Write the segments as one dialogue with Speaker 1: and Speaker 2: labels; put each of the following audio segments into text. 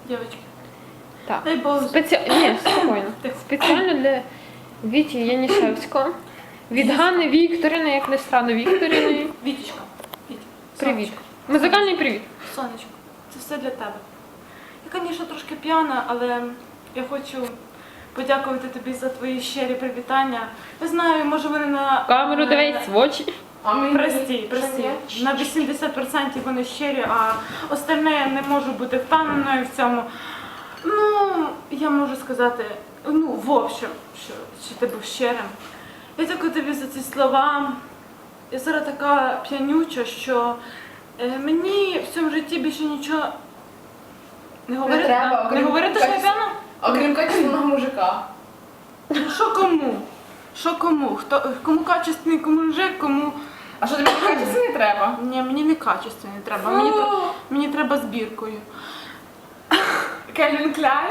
Speaker 1: Дівчатки.
Speaker 2: Так.
Speaker 1: Дай Бог.
Speaker 2: Ні, спокійно. Спеціально для Віті Янішевського. Від Ганни Вікторівни, як не странно, Вікторівни.
Speaker 1: Вітечка.
Speaker 2: Привіт. Музикальний привіт.
Speaker 1: Сонечко, це все для тебе. Я, звісно, трошки п'яна, але я хочу подякувати тобі за твої щирі привітання. Я знаю, може вони на...
Speaker 2: Камеру дивись, в очі.
Speaker 1: Прості. На 80% вони щирі, а остальне не можу бути впевненою в цьому. Ну, я можу сказати, в общем, що ти був щирим. Я дякую тобі за ці слова. Я зараз така п'янюча, що мені в цьому житті більше нічого не говорити.
Speaker 3: треба,
Speaker 1: Не говорити, що я п'яна?
Speaker 3: Окрім качественного мужика.
Speaker 1: Ну що кому? Що кому? Кому качественний, кому мужик, кому...
Speaker 3: А що тобі качественний треба?
Speaker 1: Ні, мені не качественний треба, мені треба збіркою.
Speaker 3: Кельвін Кляйн?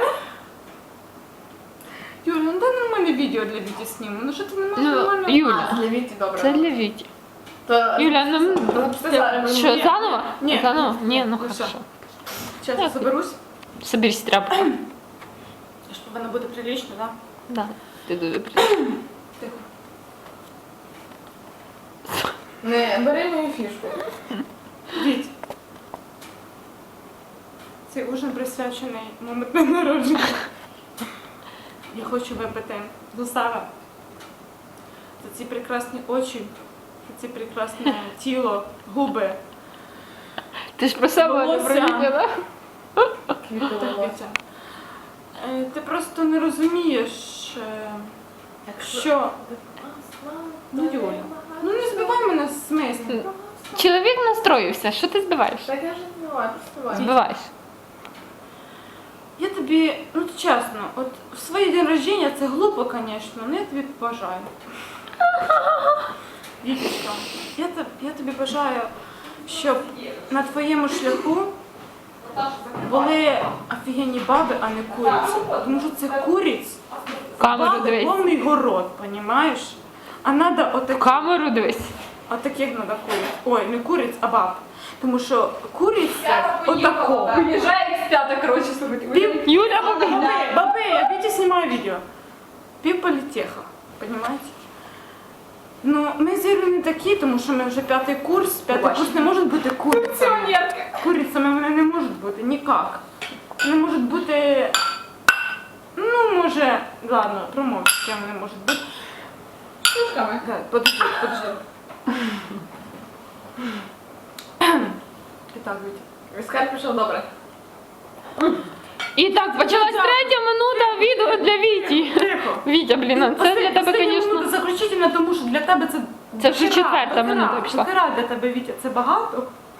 Speaker 1: Юля, ну дай нормальне відео для Віті зніму. Ну що ти не можеш нормально?
Speaker 2: Юля,
Speaker 3: Для Віті добре.
Speaker 2: це для Віті.
Speaker 3: То...
Speaker 2: Юля, ну... Що,
Speaker 1: Ні.
Speaker 2: заново?
Speaker 1: Ні.
Speaker 2: Заново? Ні, ну
Speaker 1: Ну, все.
Speaker 2: хорошо.
Speaker 1: Чесно, заберусь.
Speaker 2: Соберись, тряпку.
Speaker 1: Я ж повинна бути прилічно, так?
Speaker 2: Да. Ти дуже прилично.
Speaker 1: Тихо.
Speaker 3: Не, бери мою фішку.
Speaker 1: Віть. Цей ужин присвячений моєму дню народження. Я хочу випити до себе за ці прекрасні очі, за ці прекрасне тіло, губи.
Speaker 2: Ти ж про себе не
Speaker 1: Волосся.
Speaker 2: провідала?
Speaker 1: Так, Вітя. Ти просто не розумієш, що... Ну, Юля, ну не збивай мене з мислі.
Speaker 2: Чоловік настроївся, що ти збиваєш?
Speaker 3: Так я вже не знаю, просто
Speaker 2: Збиваєш.
Speaker 1: Я тобі, ну чесно, от в свій день рождення це глупо, звісно, але я тобі бажаю. Вітечка, я тобі бажаю, щоб на твоєму шляху були офігенні баби, а не куриці. Тому що це куриць,
Speaker 2: Камеру
Speaker 1: баби
Speaker 2: дивись.
Speaker 1: повний город, розумієш? А треба
Speaker 2: Камеру дивись.
Speaker 1: отаких треба куриць. Ой, не куриць, а баб. Тому що куриць це отако.
Speaker 3: Виїжджає експята, коротше, слухайте.
Speaker 2: Юля,
Speaker 1: Бабы, я Витя снимаю видео. Пів політеха, понимаете? Ну, ми з Ірою не такі, тому що ми вже п'ятий курс. П'ятий курс не може бути курицями. Курицями вони не можуть бути, ніяк. Не можуть бути, ну, може, ладно, промовчу, ким вони можуть бути.
Speaker 3: Шушками.
Speaker 1: Да, подожди. І так, Вітя.
Speaker 3: Віскар пішов добре.
Speaker 2: І так, почалась третя минута відео для Віті.
Speaker 1: Тихо.
Speaker 2: Вітя, блін, це для тебе, звісно.
Speaker 1: Заключительно, тому що для тебе це...
Speaker 2: Це вже
Speaker 1: дохера,
Speaker 2: четверта
Speaker 1: дохера,
Speaker 2: минута пішла.
Speaker 1: Дохера для тебе, Вітя, це багато.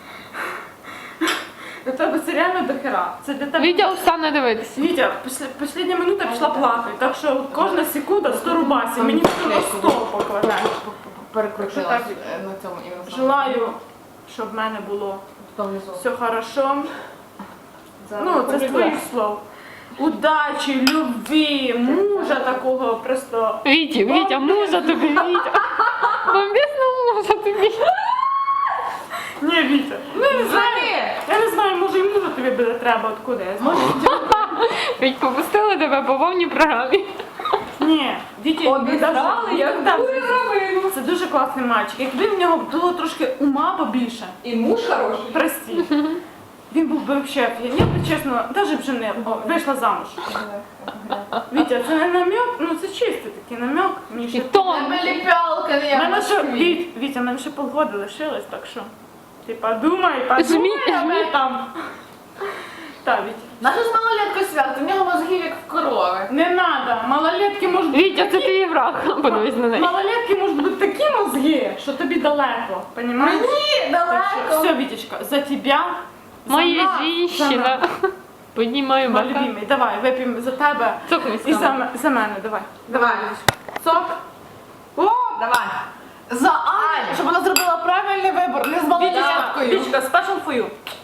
Speaker 1: Для тебе це реально дохера. Це для тебе...
Speaker 2: Вітя устане дивитися.
Speaker 1: Вітя, остання минута пішла плакати, так що кожна секунда 100 рубасів. Мені на стол покладаєш.
Speaker 3: Перекрутилась
Speaker 1: Так.
Speaker 3: на цьому іменно.
Speaker 1: Желаю, щоб в мене було
Speaker 3: Внизу.
Speaker 1: все хорошо. Ну, це з твоїх слов. Удачі, любві, мужа такого просто...
Speaker 2: Вітя, мужа тобі, Вітя. Бомбісно мужа тобі.
Speaker 1: Ні, Вітя, ну я не знаю. Я не знаю, може і мужа тобі буде треба, откуда я знаю.
Speaker 2: Віть, попустили тебе по повній програмі.
Speaker 1: Ні, Вітя,
Speaker 3: Обідрали, як
Speaker 1: дурно. Це дуже класний мальчик. Якби в нього було трошки ума побільше,
Speaker 3: І муж хороший.
Speaker 1: прості, він був би взагалі, я б чесно, навіть вже не вийшла замуж. Вітя, це не намек, ну це чистий такий намек. Мені
Speaker 2: І
Speaker 1: ще...
Speaker 2: тон.
Speaker 3: Ліпялка, не я
Speaker 1: Мене ще,
Speaker 3: бачу.
Speaker 1: Вітя, в мене ще полгода лишилось, так що ти подумай
Speaker 2: Жмі.
Speaker 1: об этом. Так, Вітя.
Speaker 3: Наша з малолеткою свято, в нього мозгів як в корови.
Speaker 1: Не надо, малолетки можуть бути
Speaker 2: Вітя, це твій враг. Подивись на неї.
Speaker 1: малолетки можуть бути такі мозги, що тобі далеко, понімаєш?
Speaker 3: Мені далеко.
Speaker 1: Все, Вітечка, за тебя,
Speaker 2: Моя
Speaker 1: за нас,
Speaker 2: жінщина. Піднімаю
Speaker 1: Мой
Speaker 2: бока.
Speaker 1: любимий, давай, вип'ємо за тебе
Speaker 2: Цокнись
Speaker 1: і
Speaker 2: там.
Speaker 1: за мене, давай.
Speaker 3: Давай.
Speaker 1: Сок. О,
Speaker 3: Давай. За Аню. Щоб вона зробила правильний вибор, не з малолеткою.
Speaker 1: Вітечка, special for you.